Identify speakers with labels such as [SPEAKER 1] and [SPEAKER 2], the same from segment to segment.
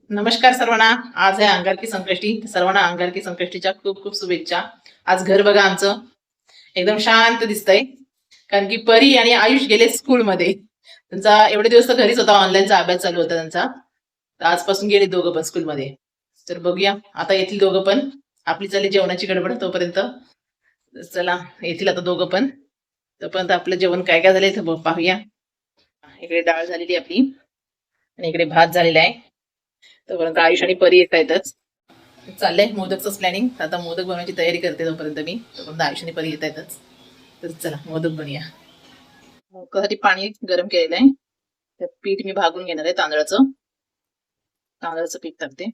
[SPEAKER 1] नमस्कार सर्वांना. आज आहे अंगारकी संकष्टी. सर्वांना अंगारकी संकष्टीच्या खूप खूप शुभेच्छा. आज घर बघा आमचं एकदम शांत दिसतंय, कारण की परी आणि आयुष गेले स्कूलमध्ये. त्यांचा एवढे दिवस तर घरीच होता, ऑनलाईनचा अभ्यास चालू होता त्यांचा. तर आजपासून गेले दोघं पण स्कूलमध्ये. तर बघूया आता येथील दोघं पण. आपली चालली जेवणाची गडबड तोपर्यंत. चला येथील आता दोघं पण. तोपर्यंत आपलं जेवण काय काय झालंय ते पाहूया. इकडे डाळ झालेली आपली आणि इकडे भात झालेला आहे. तोपर्यंत आयुष आणि परी येत आहेतच. चाललंय मोदकच प्लॅनिंग. आता मोदक बनवायची तयारी करते तोपर्यंत मी. तोपर्यंत आयुष आणि परी येत आहेतच. तर चला मोदक बनूया. मोदकासाठी पाणी गरम केलेलं आहे. त्यात पीठ मी भागून घेणार आहे तांदळाचं. तांदळाचं पीठ टाकते.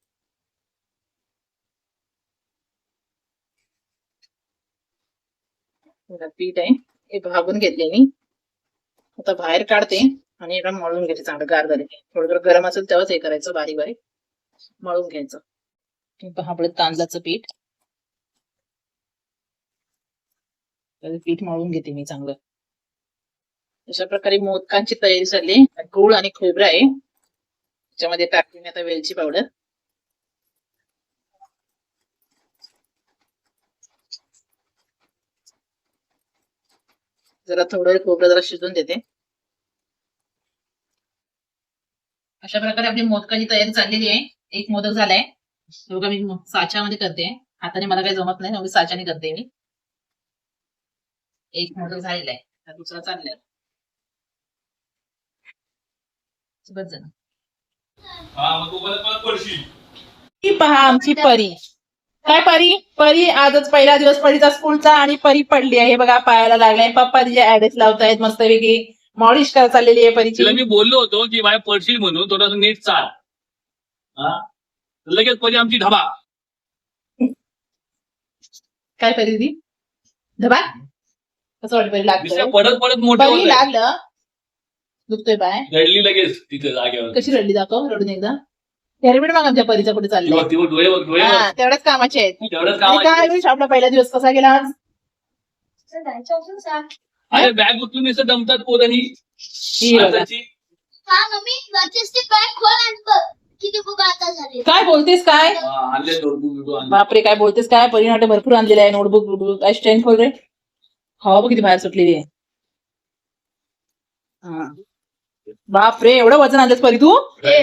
[SPEAKER 1] पीठ आहे हे भागून घेतले मी. आता बाहेर काढते आणि एका मळून घेते. चांगलं गार झाले थोडं थोडं गरम असेल तेव्हाच हे करायचं, बारीक बारीक मळून घ्यायचं. आपलं तांदळाचं पीठ पीठ मळून घेते मी चांगलं. अशा प्रकारे मोदकांची तयारी झाली. गूळ आणि खोबरं आहे त्याच्यामध्ये टाकते मी आता वेलची पावडर. जरा थोडं खोबरं जरा शिजून देते. अशा प्रकारे आपली मोदकाची तयारी चाललेली आहे. एक मोदक झालाय, बघा मी साच्यामध्ये करते. हाताने मला काही जमत नाही म्हणून साच्याने करते मी. एक मोदक झालेला आहे, दुसरा चाललाय. पहा आमची परी. काय परी? परी आजच पहिला दिवस परीचा स्कूलचा आणि परी पडली आहे. बघा पायाला लागलाय. पप्पा तिचे ऍड्रेस लावतायत मस्तपैकी. मॉलिश करा चाललेली आहे परीची.
[SPEAKER 2] मी बोललो होतो की माझ्या पडशील म्हणून थोडंसं नीट चाल. लगेच परी आमची ढबा.
[SPEAKER 1] काय परी ती धबा कसं वाटत? परी लागतं
[SPEAKER 2] पडत पडत मोठं
[SPEAKER 1] परी लागलं. दुखतोय पाय.
[SPEAKER 2] रडली लगेच तिथे जागेवर.
[SPEAKER 1] कशी रडली दाखव रडून एकदा. हेल्मेट मग आमच्या परीचा कुठे चाललंय. तेवढ्याच कामाचे आहेत. काय आपला पहिला दिवस कसा गेला आज?
[SPEAKER 2] अरे बॅग उचलून असं दमतात पोरांनी.
[SPEAKER 1] काय बोलतेस काय? बापरे काय बोलतेस काय? परीनाटे भरपूर आणलेलं आहे. नोटबुक काय स्ट्रेंथ खोल रे. हवा बघ किती बाहेर सुटलेली आहे. बापरे एवढं वजन आणलंस परी तू?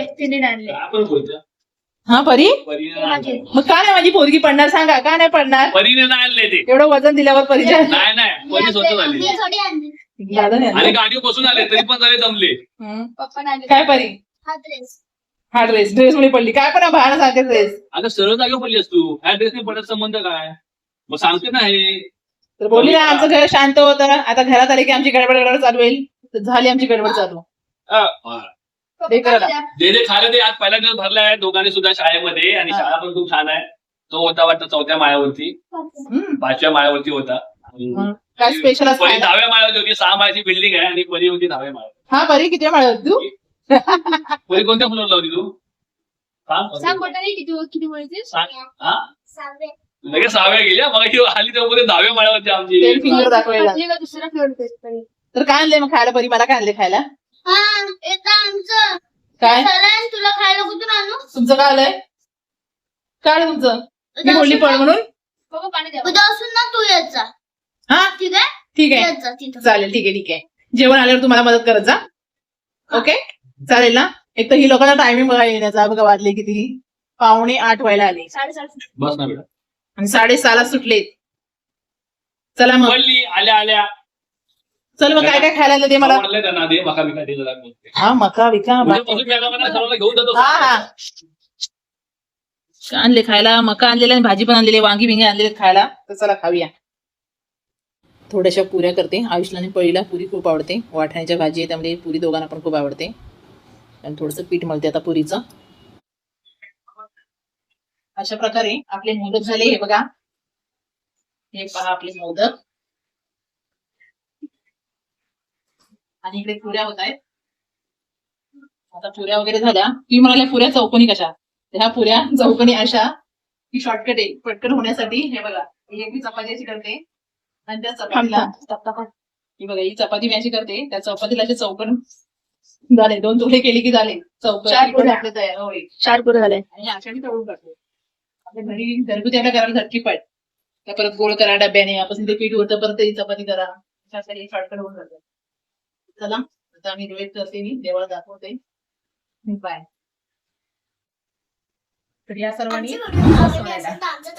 [SPEAKER 1] हा परी मग का नाही माझी पोरगी पडणार सांगा? का नाही पडणार?
[SPEAKER 2] परीने नाही आणले ते.
[SPEAKER 1] एवढं वजन दिल्यावर परीच्या
[SPEAKER 2] नाही परी स्वतः झाली आणि गाडीवर बसून आले तरी पण झाले दमले.
[SPEAKER 1] काय परी? हा ड्रेस मुळे पडली. काय पण बाहेर सांगते ड्रेस.
[SPEAKER 2] आता सरळ जागेवर पडली असतो. ह्या ड्रेसने पडत संबंध काय? मग सांगते ना हे.
[SPEAKER 1] तर बोलली ना आमचं घर शांत होतं. आता घरात आले की आमची गडबड चालू होईल. तर झाली आमची गडबड चालू.
[SPEAKER 2] दे खायला दे. आज पहिला दिवस भरलाय दोघांनी सुद्धा शाळेमध्ये आणि शाळा पण खूप छान आहे. तो होता वाटतं 4थ्या माळ्यावरती, 5व्या माळ्यावरती होता.
[SPEAKER 1] काय स्पेशल
[SPEAKER 2] परी 10व्या माळ्यावरती होती. 6 माळ्याची बिल्डिंग आहे आणि परी होती 10व्या माळ्यावर.
[SPEAKER 1] हा परी किती माळ्यावर तू?
[SPEAKER 2] परी कोणत्या फ्लोअरला होती तू? लगेच 6व्या गेल्या. मग आली तेव्हा 10व्या माळ्यावरती आमची.
[SPEAKER 1] फिंगर दाखवायला. तर काय आणलंय मग खायला परी? मला काय आणले खायला? काय
[SPEAKER 3] तुला खायला कुठून आणू?
[SPEAKER 1] तुमचं काय आलंय? काय तुमचं? मी बोलली पळ म्हणून.
[SPEAKER 3] उद्या असून ना तू येत जा.
[SPEAKER 1] हा
[SPEAKER 3] ठीक आहे
[SPEAKER 1] ठीक आहे
[SPEAKER 3] येत जा तिथं.
[SPEAKER 1] चालेल. ठीक आहे. जेवण आल्यावर तुम्हाला मदत करत जा. ओके चालेल ना. एक तर ही लोकांना टायमिंग बघा येण्याचा. बघा वाजले किती? 7:45 व्हायला आले
[SPEAKER 3] 7:30.
[SPEAKER 2] बस ना बेटा.
[SPEAKER 1] आणि 6:30 सुटलेत. चला मग
[SPEAKER 2] पडली आल्या आल्या.
[SPEAKER 1] चल मग काय काय खायला आणलं ते मला.
[SPEAKER 2] त्यांना दे मका बिका दे जरा.
[SPEAKER 1] हा मका विका
[SPEAKER 2] सर्वांना घेऊन जातो.
[SPEAKER 1] हा आणले खायला. मका आणलेले आणि भाजी पण आणलेली. वांगी बिंगी आणलेले खायला. तर चला खाऊया. थोड्याशा पुऱ्या करते. आयुषला आणि पळीला पुरी खूप आवडते. वाटाण्याच्या भाजी आहे त्यामुळे पुरी दोघांना पण खूप आवडते. आणि थोडंसं पीठ मळते आता पुरीचं. अशा प्रकारे आपले मोदक झाले. हे बघा हे पहा आपले मोदक. आणि इकडे पुऱ्या होत आहेत. आता पुऱ्या वगैरे झाल्या की म्हणाल्या पुऱ्या चौकोनी कशा? ह्या पुऱ्या चौकोनी अशा की शॉर्टकट आहे पटकन होण्यासाठी. हे बघा ही चपाती अशी करते आणि त्या चपातीला ही बघा ही चपाती मी अशी करते. त्या चपातीला असे चौकोन झाले 2 तुकडे केले की झाले चौकट
[SPEAKER 4] 4 पुऱ्या.
[SPEAKER 1] आपले तयार होय
[SPEAKER 4] 4 पुरे झाले.
[SPEAKER 1] आणि आषाढी तळून टाकले आपल्या घरी घरगुती आपल्या करायला झटकीपट त्या परत गोळ करा डब्याने आपण ते पीठ होतं परत त्याची चपाती करा त्यासाठी शॉर्टकट होऊन जातं. चला आता आम्ही वेट करते मी देवाला दाखवते बाय तर या सर्वांनी
[SPEAKER 3] आमची व्हिडिओ आवडली असेल तर आमचं